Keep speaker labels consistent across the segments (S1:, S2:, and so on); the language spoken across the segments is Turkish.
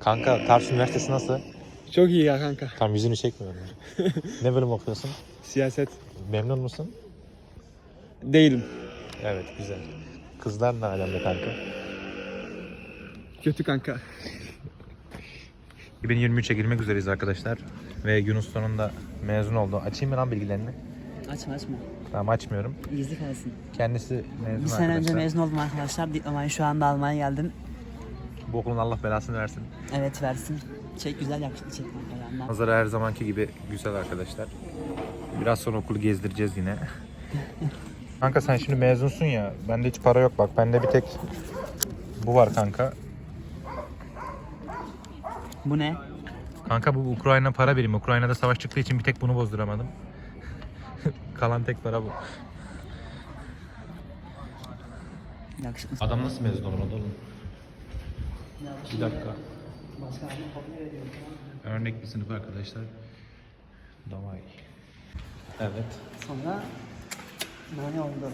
S1: Kanka Tarsus Üniversitesi nasıl?
S2: Çok iyi ya kanka.
S1: Tam yüzünü çekmiyorum. Ne bölüm okuyorsun?
S2: Siyaset.
S1: Memnun musun?
S2: Değilim.
S1: Evet, güzel. Kızlar ne alemde kanka?
S2: Kötü kanka.
S1: 2023'e girmek üzereyiz arkadaşlar. Ve Yunus sonunda mezun oldu. Açayım mı lan bilgilerini?
S3: Açma.
S1: Tamam, açmıyorum.
S3: Gizli kalsın.
S1: Kendisi mezun
S3: Bir sene
S1: arkadaşlar.
S3: önce mezun oldum arkadaşlar. Diplomayı şu anda almaya geldim.
S1: Bu okulun Allah belasını versin.
S3: Evet versin. Çek güzel yakışıklı çek kanka yandan.
S1: Manzara her zamanki gibi güzel arkadaşlar. Biraz sonra okulu gezdireceğiz yine. Kanka sen şimdi mezunsun ya. Bende hiç para yok bak. Bende bir tek bu var kanka.
S3: Bu ne?
S1: Kanka bu Ukrayna para birimi. Ukrayna'da savaş çıktığı için bir tek bunu bozduramadım. Kalan tek para bu.
S3: Yakışıklı.
S1: Adam nasıl mezun olur oğlum? Bir dakika. Örnek bir sınıf arkadaşlar. Davay. Evet.
S3: Sonra ne oldu?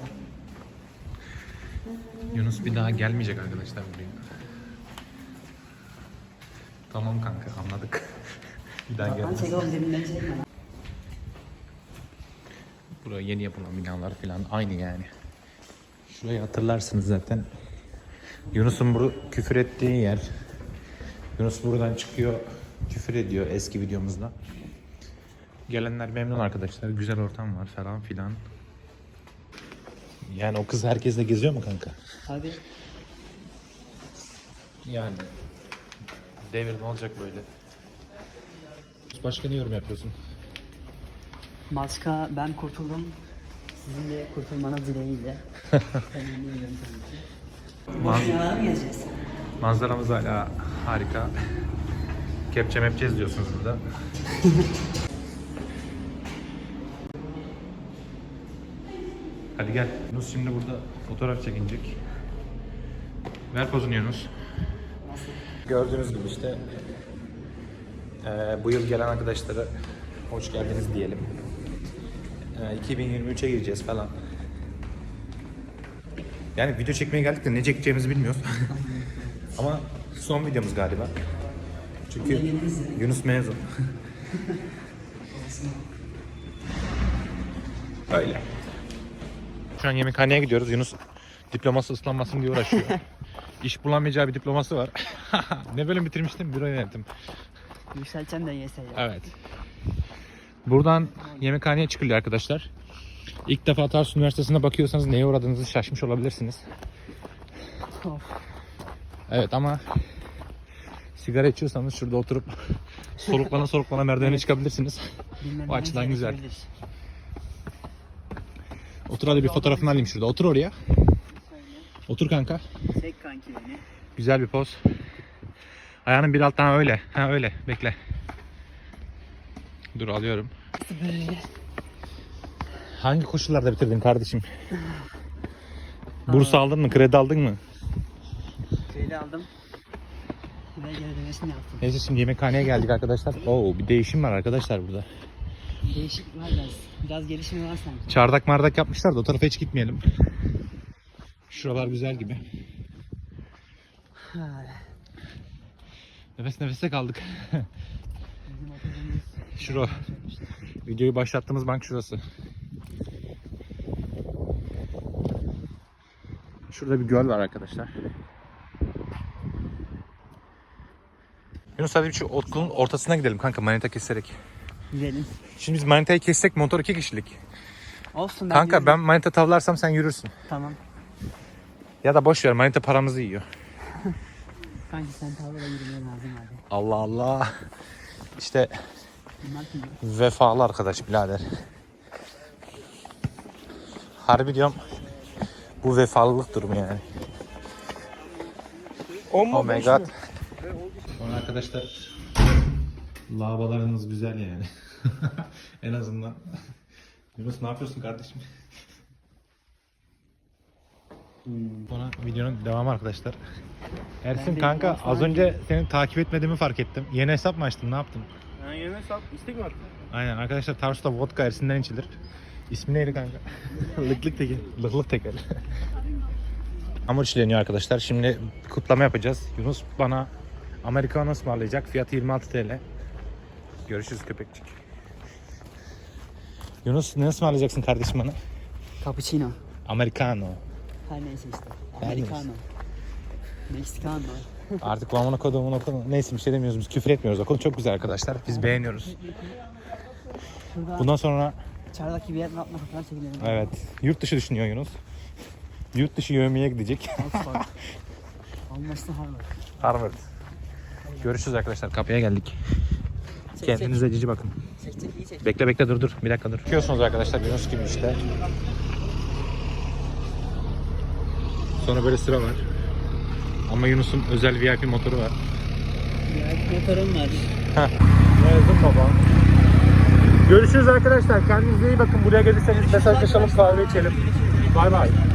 S1: Yunus bir daha gelmeyecek arkadaşlar buraya. Tamam kanka, anladık. Bir daha
S3: Ben
S1: gelmez.
S3: çek oğlum deminden çekme.
S1: Buraya yeni yapılan binalar falan aynı yani. Şurayı hatırlarsınız zaten. Yunus'un bu küfür ettiği yer. Yunus buradan çıkıyor, küfür ediyor eski videomuzda. Gelenler memnun arkadaşlar. Güzel ortam var falan filan. Yani o kız herkesle geziyor mu kanka?
S3: Abi
S1: Yani devir ne olacak böyle? Başka ne yorum yapıyorsun?
S3: başka ben kurtuldum. Sizin de kurtulmanız dileğiyle. Ben eminim tabii ki. Boşuna mı gezeceğiz?
S1: Manzaramız hala harika. Kepçe mepçez diyorsunuz burada. Hadi gel. Yunus şimdi burada fotoğraf çekinecek. Ver pozunu Yunus. Gördüğünüz gibi işte bu yıl gelen arkadaşlara hoş geldiniz diyelim. 2023'e gireceğiz falan. Yani video çekmeye geldik de ne çekeceğimizi bilmiyoruz. Ama son videomuz galiba. Çünkü Yunus mezun. Öyle. Şu an yemekhaneye gidiyoruz. Yunus diploması ıslanmasın diye uğraşıyor. İş bulamayacağı bir diploması var. Ne bölüm bitirmiştim? Büro yönetim.
S3: Yükselteceğim de YS'ye.
S1: Evet. Buradan yemekhaneye çıkılıyor arkadaşlar. İlk defa Tarsus Üniversitesi'ne bakıyorsanız neye uğradığınızı şaşmış olabilirsiniz.
S3: Of.
S1: Evet ama sigara içiyorsanız şurada oturup soluklana merdivene çıkabilirsiniz. O açıdan güzel. Otur hadi bir fotoğrafını alayım şurada. Otur oraya. Otur kanka.
S3: Çek kanki beni.
S1: Güzel bir poz. Ayağının bir alttan öyle. Ha öyle. Bekle. Dur alıyorum.
S3: Böyle.
S1: Hangi koşullarda bitirdin kardeşim? Burs aldın mı? Kredi aldın mı?
S3: Kredi aldım. Ve geri ödemesini yaptım.
S1: Neyse şimdi yemekhaneye geldik arkadaşlar. Oo bir değişim var arkadaşlar burada.
S3: Değişik var biraz. Biraz gelişimi var sanki.
S1: Çardak mardak yapmışlar da o tarafa hiç gitmeyelim. Şuralar güzel gibi.
S3: Ha,
S1: Nefes nefese kaldık.
S3: bizim oturduğumuz
S1: Şura. Videoyu başlattığımız bank şurası. Şurada bir göl var arkadaşlar. Yunus hadi bir şu okulun ortasına gidelim kanka manita keserek.
S3: gidelim.
S1: Şimdi biz manitayı kessek motor 2 kişilik.
S3: Olsun ben
S1: Kanka
S3: yürürüm.
S1: ben manita tavlarsam sen yürürsün.
S3: Tamam.
S1: Ya da boş ver manita paramızı yiyor.
S3: Kanki sen tavla yürümeye lazım abi.
S1: Allah Allah. İşte
S3: Bunlar kim?
S1: vefalı arkadaş birader. Harbi diyorum bu vefalılık durumu yani. Oh my god. Sonra arkadaşlar lavalarınız güzel yani. En azından. Yunus ne yapıyorsun kardeşim? Sonra videonun devamı arkadaşlar. Ersin kanka az önce seni takip etmediğimi fark ettim. Yeni hesap mı açtın? Ne yaptın?
S2: Ha, yeni hesap istek mi attın?
S1: Aynen arkadaşlar Tarsus'ta vodka Ersin'den içilir. İsmi neydi kanka?
S2: Lıklık tekin.
S1: Lıklık teker. Hamur işleniyor arkadaşlar. Şimdi kutlama yapacağız. Yunus bana Americano ısmarlayacak. Fiyatı 26 TL. Görüşürüz köpekçik. Yunus ne ısmarlayacaksın kardeşim bana?
S3: Cappuccino.
S1: Americano.
S3: Her neyse işte.
S1: Her neyse.
S3: Americano. Meksikano.
S1: Artık amına koduğumun okulu. Neyse bir şey demiyoruz, biz küfür etmiyoruz. Okul çok güzel arkadaşlar. Biz beğeniyoruz.
S3: Şurada
S1: Bundan sonra
S3: çardaki bir yerin altına fotoğraf çekilelim.
S1: evet, yurt dışı düşünüyor Yunus. Yurt dışı yövmeye gidecek.
S3: Oxford. Almasın Harvard.
S1: Harvard. Görüşürüz arkadaşlar. Kapıya geldik. Kendinize cici bakın.
S3: Çek çek iyi çek.
S1: Bekle dur. Bir dakika dur. Bakıyorsunuz arkadaşlar Yunus gibi işte. Sonra böyle sıra var. Ama Yunus'un özel VIP motoru var.
S3: Ya motorum var.
S1: Yazdım baba. Görüşürüz arkadaşlar. Kendinize iyi bakın. Buraya gelirseniz mesajlaşalım, kahve içelim. Bay bay.